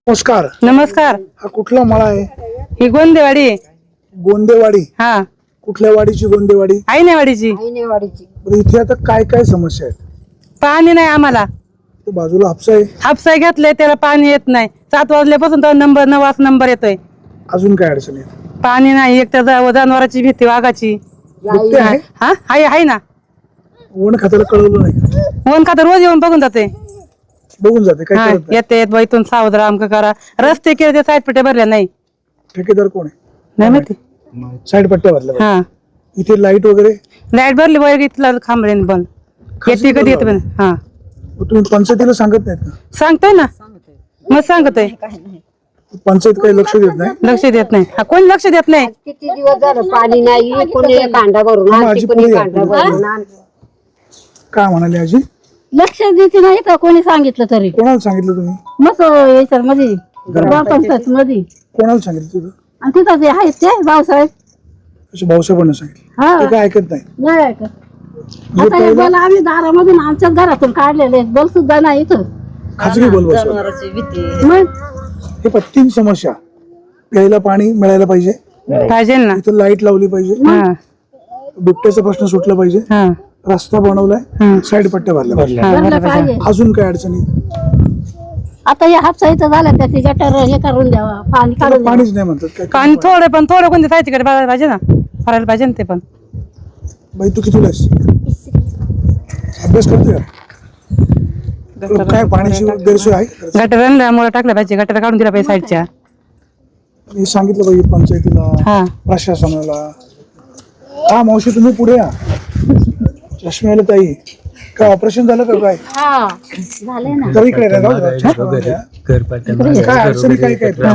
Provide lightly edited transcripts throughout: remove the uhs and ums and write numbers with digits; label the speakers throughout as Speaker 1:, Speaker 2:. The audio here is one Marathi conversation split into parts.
Speaker 1: नमस्कार.
Speaker 2: नमस्कार.
Speaker 1: हा कुठला मळा आहे?
Speaker 2: ही गोंदेवाडी आहे.
Speaker 1: गोंदेवाडी.
Speaker 2: हा,
Speaker 1: कुठल्या वाडीची गोंदेवाडी?
Speaker 2: आईनेवाडीची.
Speaker 1: बरं, इथे आता काय काय समस्या आहेत?
Speaker 2: पाणी नाही आम्हाला.
Speaker 1: तो बाजूला हापसा आहे.
Speaker 2: हापसाय घेतलंय त्याला पाणी येत नाही. 7 वाजल्यापासून तर नंबर 9 नंबर येतोय.
Speaker 1: अजून काय अडचण आहे?
Speaker 2: पाणी नाही. एक तर जनावरांची भीती, वाघाची.
Speaker 1: बिबटे आहे?
Speaker 2: हा, आहे ना.
Speaker 1: वन खात्याला कळवलं नाही?
Speaker 2: वन खातर रोज येऊन बघून जाते.
Speaker 1: बघून जाते काय
Speaker 2: हा,
Speaker 1: करत नाही?
Speaker 2: येते बाई इथून सावध राहा, अमकं करा. रस्ते केले ते साईड पेट्या भरल्या नाही.
Speaker 1: ठेकेदार कोण आहे?
Speaker 2: नाही माहिती.
Speaker 1: साईड पट्ट्या भरल्या.
Speaker 2: हा,
Speaker 1: इथे लाईट वगैरे?
Speaker 2: लाईट भरली वगैरे इथला खांबरेन बंद. येते कधी येते पण. हा,
Speaker 1: मग तुम्ही पंचायतीला सांगत नाहीत का?
Speaker 2: सांगतोय ना. मग सांगतोय.
Speaker 1: पंचायत काही लक्ष देत नाही?
Speaker 2: लक्ष देत नाही. हा, कोणी लक्ष देत नाही.
Speaker 3: किती दिवस झालं पाणी नाही. कोणी कांदा भरून आणते, कोणी कांदा भरून आणते.
Speaker 1: काय म्हणाले आजी?
Speaker 3: लक्ष देते नाही का कोणी सांगितलं तरी.
Speaker 1: कोणाला सांगितलं तुम्ही?
Speaker 3: मस्त याच्यात मध्ये ग्रामपंचायत मध्ये.
Speaker 1: कोणाला सांगितलं तुझं?
Speaker 3: आणि तिथं ते आहेत ते भाऊसाहेब.
Speaker 1: अशी भाऊसाहेबांना सांगितलं?
Speaker 3: हा,
Speaker 1: ते काय ऐकत नाही?
Speaker 3: नाही ऐकत. आता हे बल आम्ही दारामधून आमच्याच घरातून काढलेले आहेत. बल सुद्धा नाही इथं.
Speaker 1: खाजगी बल बसवलं.
Speaker 3: मग
Speaker 1: हे पण 3 समस्या. प्यायला पाणी मिळायला पाहिजे,
Speaker 2: पाहिजे ना.
Speaker 1: इथं लाईट लावली पाहिजे,
Speaker 2: हा,
Speaker 1: बिबट्याचा प्रश्न सुटला पाहिजे,
Speaker 2: हा,
Speaker 1: रस्ता बनवलाय, साईड पट्ट्या भरल्या पाहिजे.
Speaker 2: हा,
Speaker 3: भरलं पाहिजे.
Speaker 1: अजून काय अडचणी?
Speaker 3: आता या हापसा इथं झालं त्याची गटर हे करून द्यावा, पाणी
Speaker 1: त्याला
Speaker 3: काढून द्यावं.
Speaker 1: पाणीच नाही म्हणतात काय?
Speaker 2: पाणी थोडं पण थोडं कोणत्या साहित्याकडे बघायला पाहिजे ना. भरायला पाहिजे ना ते पण.
Speaker 1: बाई तू कितीला आहेस? अभ्यास करतोय का? तुला काय पाण्याची गैरसोय आहे?
Speaker 2: गटर आणल्यामुळे टाकलं पाहिजे. गटर काढून दिला पाहिजे साईडच्या.
Speaker 1: मी सांगितलं पाहिजे पंचायतीला,
Speaker 2: हा,
Speaker 1: प्रशासनाला. हा मावशी तुम्ही पुढे या. चष्म्याला ताई काय ऑपरेशन झालं का काय?
Speaker 3: हा झाले ना.
Speaker 1: तर इकडे नाही जाऊ. चष्मा घालून या. काय अडचणी काय काय? इथल्या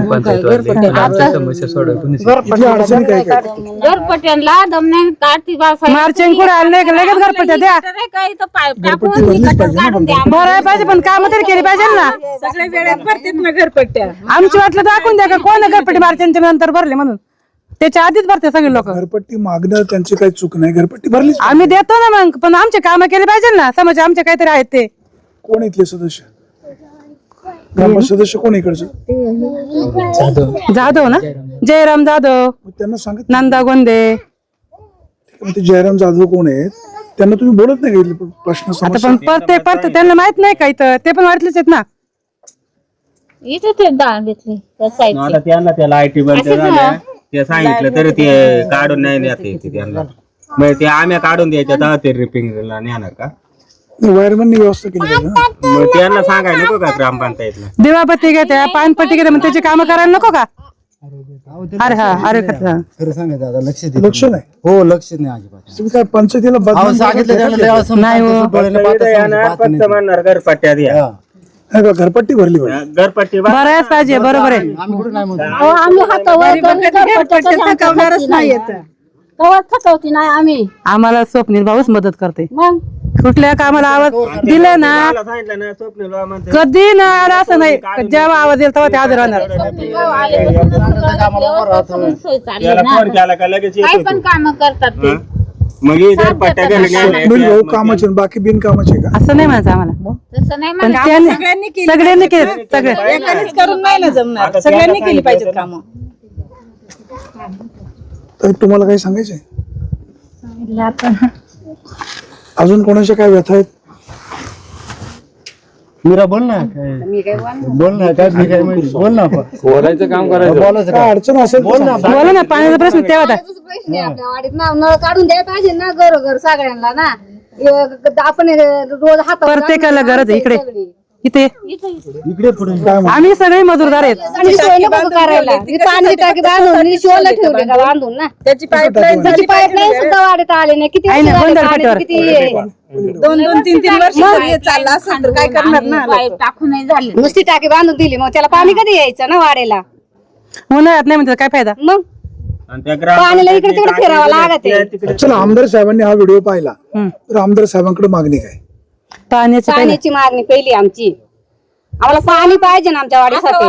Speaker 1: अडचणी काय काय?
Speaker 3: घरपट्ट्यांना दम नाही काढती
Speaker 2: मार्चिंग कुठे आले लगेच घरपट्ट्या द्या.
Speaker 1: घरपट्टी भरलीच पाहिजे ना पण.
Speaker 2: भरायला पाहिजे पण काम तरी केली पाहिजे ना.
Speaker 4: सगळ्या वेळेत भरतात ना घरपट्ट्या.
Speaker 2: आमची वाटलं दाखवून द्या का कोण घरपट्टी मार्चिंगच्या नंतर भरले म्हणून. त्याच्या आधीच भरते सगळे लोक.
Speaker 1: घरपट्टी मागणं त्यांची काही चूक नाही. घरपट्टी भरलीच पाहिजे.
Speaker 2: आम्ही देतो ना मग, पण आमचे काम केले पाहिजे ना. समज आमचे काहीतरी आहेत ते.
Speaker 1: कोण इथले सदस्य? ग्राम सदस्य कोण इकडचं?
Speaker 2: जाधव ना, जयराम जाधव,
Speaker 1: मग त्यांना सांगत
Speaker 2: नंदा गोंदे.
Speaker 1: ते जयराम जाधव कोण आहेत त्यांना तुम्ही बोलत नाही का? प्रश्न
Speaker 2: आता
Speaker 1: समस्या
Speaker 2: पण परते त्यांना माहित नाही का इथं. ते पण वाटलेच आहेत ना.
Speaker 3: इथे ते डाळ घेतली त्या साईडची.
Speaker 5: आता त्यांना त्याला आयटी बंद झालं ते सांगितलं तरी ते काढून नाही नेत येते त्यांना. मग ते आम्ही काढून द्यायच्या तेव्हा ते रिपेअरिंगला नेणार का?
Speaker 1: वायरमॅननी व्यवस्था केली पाहिजे ना.
Speaker 5: मग त्यांना सांगायला नको का ग्रामपंचायतला?
Speaker 2: दिवाबत्ती घेत्या, पानपट्टी घेत्या, मग त्याची कामं करायला नको का? अरे हा, अरे खरं.
Speaker 6: खरं सांगायचं आता लक्ष देत
Speaker 1: लक्ष नाही.
Speaker 6: हो लक्ष नाही अजिबात.
Speaker 1: तुम्ही काय पंचायतीला
Speaker 6: अहो,
Speaker 1: बदनाम
Speaker 6: सांगितलं
Speaker 1: करताय
Speaker 6: त्यांना
Speaker 1: का?
Speaker 6: लय असं
Speaker 2: नाही हो.
Speaker 6: डोळ्याला पाहता
Speaker 5: इथं
Speaker 6: समजतं,
Speaker 5: येणार
Speaker 6: पाहता
Speaker 5: फक्त
Speaker 6: नाही.
Speaker 5: म्हणणार घरपट्ट्या द्या.
Speaker 6: हा.
Speaker 1: नाही का? घरपट्टी भरली पाहिजे.
Speaker 5: घरपट्टी
Speaker 2: भरायच पाहिजे. बरोबर आहे.
Speaker 6: आम्ही कुठे नाही म्हणतो.
Speaker 3: अहो, आम्ही हातावर
Speaker 4: नाही येत.
Speaker 3: कवा थकवती नाही आम्ही.
Speaker 2: आम्हाला स्वप्नील भाऊच मदत करते.
Speaker 3: मग
Speaker 2: कुठल्या कामाला आवाज दिला ना,
Speaker 5: मला सांगितलं ना स्वप्नील बाबा म्हणते,
Speaker 2: कधी ना आला असं नाही. जेव्हा आवाज येईल तेव्हा ते हजर राहणार.
Speaker 3: सोय चालली
Speaker 5: त्याला
Speaker 3: ना.
Speaker 5: फोन केला का लगेच
Speaker 3: काय
Speaker 5: येतो
Speaker 3: पण
Speaker 5: तो.
Speaker 3: काम करतात ते.
Speaker 5: हं? मग हे घरपट्ट्या घरी
Speaker 1: स्वप्नील
Speaker 5: गेल्या.
Speaker 1: भाऊ कामाचे आणि बाकी बिनकामाचे का?
Speaker 2: असं नाही म्हणायचं आम्हाला.
Speaker 3: तसं नाही
Speaker 2: पण
Speaker 3: म्हणत.
Speaker 2: सगळ्यांनी केले. सगळे
Speaker 4: एकानेच करून नाही ना जमणार. सगळ्यांनी केली पाहिजेत कामं.
Speaker 1: तर तुम्हाला काही सांगायचंय? अजून कोणाच्या काय व्यथा आहेत?
Speaker 6: मीरा बोल ना बोल ना काय मी काय म्हणते बोल ना आपण बोलायचं काम करायचं बोलायचं
Speaker 1: काय अडचण असेल तर सांगा.
Speaker 2: बोला ना, पाण्याचा प्रश्न तेव्हा होता.
Speaker 3: प्रश्न आहे आपल्या वाडीत ना. नळ काढून द्यायला पाहिजे ना घरोघर सगळ्यांना ना. आपण रोज हातावर
Speaker 2: प्रत्येकाला गरज आहे इकडे. इथे
Speaker 6: इकडे पुढे
Speaker 1: काय म्हणा?
Speaker 2: आम्ही सगळे मजूरदार आहेत.
Speaker 3: आणि सोय नको करायला. ही पाणी टाकी बांधून शिवला ठेवले का बांधून ना.
Speaker 4: त्याची पाईपलाईन
Speaker 3: त्याची पाईपलाईन सुद्धा वाढत आले नाही. किती
Speaker 2: आहे ना,
Speaker 3: वर्ष झाले
Speaker 2: गोंधळ
Speaker 3: पाणी,
Speaker 2: पाठीवर.
Speaker 3: किती
Speaker 4: 2-3 वर्ष हे चाललं असेल तर काय करणार ना.
Speaker 3: टाकून नाही झाले. नुसती टाकी बांधून दिली मग त्याला पाणी कधी यायचं ना वाढेला.
Speaker 2: उन्हाळ्यात नाही म्हणतात काय फायदा.
Speaker 3: मग
Speaker 5: आणि त्या
Speaker 3: पाण्याला इकडे तिकडे फिरावं लागत आहे.
Speaker 5: तिकडे
Speaker 1: चला, आमदार साहेबांनी हा व्हिडिओ पाहिला तर आमदार साहेबांकडे मागणी काय?
Speaker 2: पाण्याची काही
Speaker 3: पाण्याची मागणी पहिली आमची. आम्हाला पाणी पाहिजे ना आमच्या वाडीसाठी.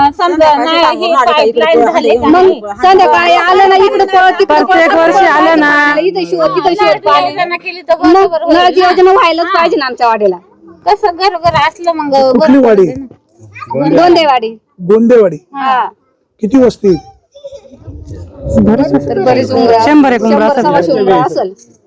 Speaker 3: मग संध्याकाळी आलं ना इकडे
Speaker 2: प्रत्येक वर्षी आलं ना.
Speaker 3: इथं शिव तिथं शिव पाणी. मग नळाची योजना व्हायलाच पाहिजे ना आमच्या वाडीला. कसं घरोघर असलं मग
Speaker 1: कुठली वाडी?
Speaker 3: गोंदेवाडी.
Speaker 1: गोंदेवाडी
Speaker 3: हा
Speaker 1: किती वस्ती आहे?
Speaker 3: बरेच उमरा
Speaker 2: 100 एक उमरा असेल.
Speaker 3: 100-125 उमरा असेल